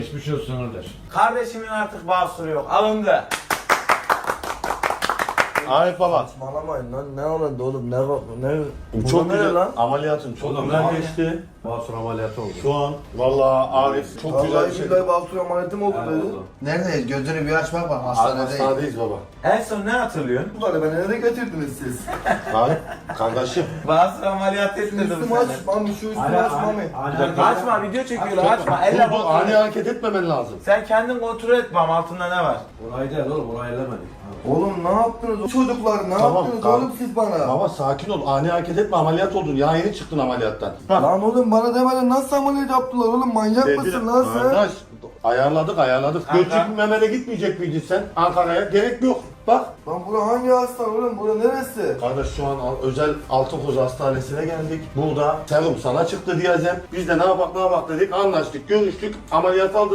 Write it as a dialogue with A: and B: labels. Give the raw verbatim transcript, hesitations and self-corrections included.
A: Geçmiş olsun kardeş.
B: Kardeşimin artık basuru yok. Alındı.
C: Arif baba.
D: Saçmalamayın lan, ne oldu oğlum, ne ne
C: Bu
D: Bu
C: çok
D: ne
C: güzel
D: lan?
C: ameliyatın çok
A: Oğlum,
C: güzel
A: abi.
C: geçti.
A: Basur ameliyatı oldu.
C: Şu an vallahi Arif çok güzel bir
D: Vallahi
C: şey.
D: billahi Baltur ameliyatı mı oldu
A: Ha,
D: dedi.
A: oldu.
E: Neredeyiz? Gözünü bir aç bak bak hastanedeyiz.
C: Hastanedeyiz baba.
B: En son ne hatırlıyorsun?
D: Bunları ben nereye getirdiniz siz?
C: Arif kardeşim.
B: Basur ameliyatı
D: Şu
B: ettirdim
D: üstümü aç,
B: seni.
D: mami, şu üstümü aç mami.
B: Açma, video çekiyorlar, açma. Elle
C: Bu, bu ani
B: kontrol.
C: hareket etmemen lazım.
B: Sen kendin kontrol et bam, altında ne var?
A: Orayı değil oğlum, orayı ellemedik.
D: Oğlum ne yaptınız çocuklar, ne
C: Tamam,
D: yaptınız
C: tamam.
D: oğlum siz bana?
C: Baba sakin ol. Ani hareket etme. Ameliyat oldun. Ya yeni çıktın ameliyattan.
D: Lan oğlum bana demeden nasıl ameliyat yaptılar oğlum, manyak mısın lan sen?
C: Arkadaş, ayarladık ayarladık.
B: Kanka.
C: Göçük memele gitmeyecek miydin sen Ankara'ya? Gerek yok. Bak.
D: Lan bura hangi hastane oğlum, bura neresi?
C: Kardeş şu an al- özel Altınkoz Hastanesi'ne geldik. Burada serum sana çıktı diyeceğim. Biz de ne yapak ne yapak dedik, anlaştık, görüştük, ameliyat aldık.